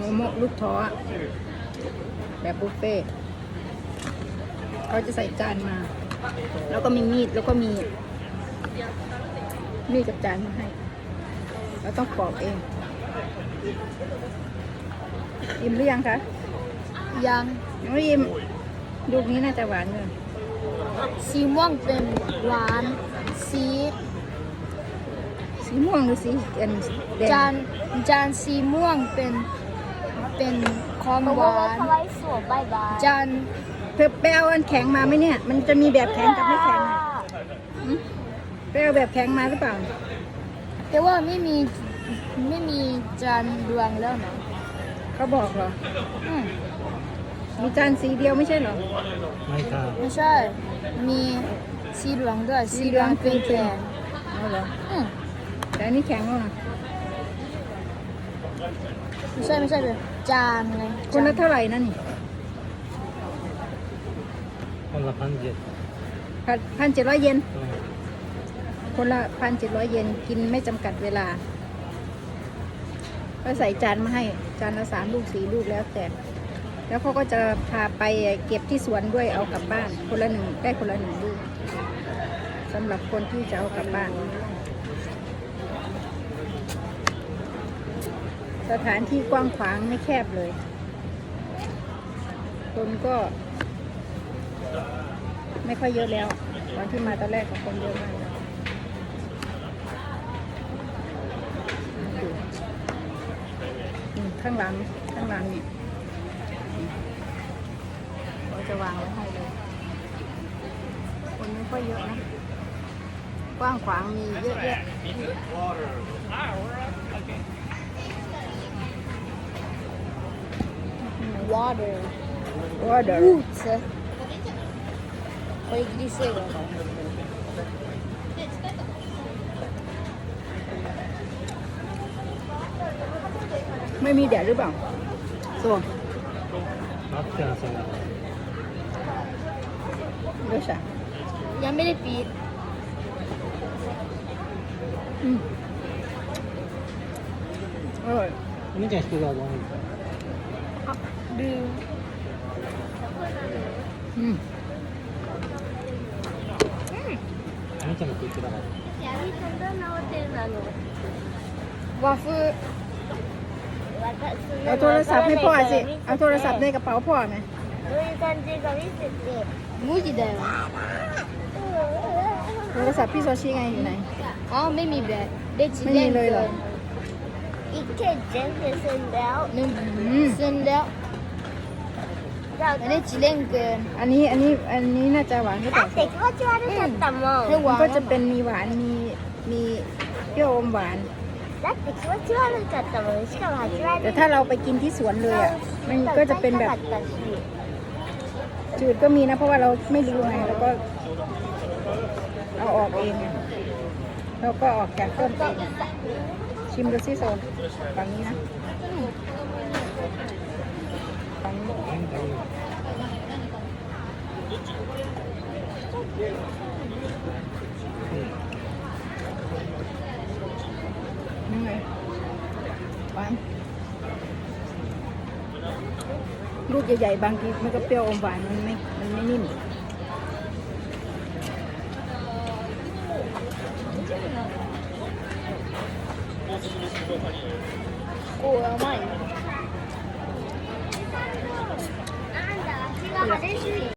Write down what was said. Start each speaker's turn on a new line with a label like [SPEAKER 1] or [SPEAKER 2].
[SPEAKER 1] โมะลูกท้อแบบบุฟเฟ่ต์เขาจะใส่จานมา แล้วก็มีมีดแล้วก็มีกับจานมาให้เราต้องปอกเองอิ่มหรือยังคะ
[SPEAKER 2] ยัง
[SPEAKER 1] ไม่อิ่มลูกนี้น่าจะหวานเลย
[SPEAKER 2] สีม่วงเป็นหวานสี
[SPEAKER 1] ม่วงหรือสีแดง
[SPEAKER 2] จานสีม่วงเป็นของหวานจาน
[SPEAKER 1] เธอไปเอาอันแข็งมาไหมเนี่ย มันจะมีแบบแข็งกับไม่แข็งอะหึไปเอาแบบแข็งมาหรือเปล่า
[SPEAKER 2] แต่ว่าไม่มีจานดวงแล้วนะ
[SPEAKER 1] เขาบอกเหรอ
[SPEAKER 2] อืม
[SPEAKER 1] มีจานสีเดียวไม่ใช่เหรอ
[SPEAKER 3] ไม่ค่ะ
[SPEAKER 2] ไม่ใช่มีสีเหลืองด้วยสีเหลืองเป็นแข็ง
[SPEAKER 1] เอาเหรอ
[SPEAKER 2] อืม
[SPEAKER 1] แต่อันนี้แข็งแล้วนะ
[SPEAKER 2] ไม่ใช่เป็นจานไง
[SPEAKER 1] คนละเท่าไหร่นั่นนี่
[SPEAKER 3] คนละ1,700
[SPEAKER 1] 1,700 เยน คนละ 1,700 เยนกินไม่จำกัดเวลาก็ใส่จานมาให้จานละ3 ลูก 4 ลูกแล้วแต่แล้วเขาก็จะพาไปเก็บที่สวนด้วยเอากลับบ้านคนละ1ได้คนละ1 ลูกสำหรับคนที่จะเอากลับบ้าน สถานที่กว้างขวางไม่แคบเลย คนก็ไม่ค่อยเยอะแล้วตอนที่มาตอนแรกของคนเยอะมากข้างหลังนี่เราจะวางไว้ให้เลย คนไม่ค่อยเยอะนะ กว้างขวางมีเยอะแยะ
[SPEAKER 2] water
[SPEAKER 1] water
[SPEAKER 2] roots o i di sego
[SPEAKER 1] ไม่มีแดดหรือเปล่าส่วน
[SPEAKER 3] 待ってなさい。
[SPEAKER 1] どうした
[SPEAKER 2] ยังไม่ได้ปิด
[SPEAKER 1] อร่อย
[SPEAKER 3] お姉ちゃん引きがどう？
[SPEAKER 2] ดู
[SPEAKER 3] お姉ちゃんが食ってたから。
[SPEAKER 2] วาฟู
[SPEAKER 1] เอาโทรศัพท์ให้พ่อสิ เอาโทรศัพท์ในกระเป๋าพ่อไหม
[SPEAKER 2] มูจิだよ
[SPEAKER 1] โทรศัพท์พี่โซชิไงอยู่ไหน
[SPEAKER 2] อ๋อไม่มีแบตได้จิ
[SPEAKER 1] ไม่
[SPEAKER 2] เล่
[SPEAKER 1] มี
[SPEAKER 2] น
[SPEAKER 1] เลยเหรอ
[SPEAKER 2] อีกแค่เจนเซ็นแล้วหนึ่งเซ็นแล้วอันนี้จิเล่นเกิน
[SPEAKER 1] อันนี้น่าจะหวานหรือเปล่า
[SPEAKER 2] ให้ห
[SPEAKER 1] มั
[SPEAKER 2] วาน น
[SPEAKER 1] ก็จะเป็นมีหวานมีเปรี้ยวอมหวาน แต่ถ้าเราไปกินที่สวนเลยอ่ะ มันก็จะเป็นแบบจืดก็มีนะ เพราะว่าเราไม่รู้ไงเราก็เอาออกเองไงเราก็ออกจากต้นเองชิมดูซิโซนฝั่งนี้นะฝั่งนี้ยังไงหวานลูกใหญ่ๆบางทีมันก็เปรี้ยวอมหวานมันไม่นิ่ม
[SPEAKER 2] โอ้ยไม่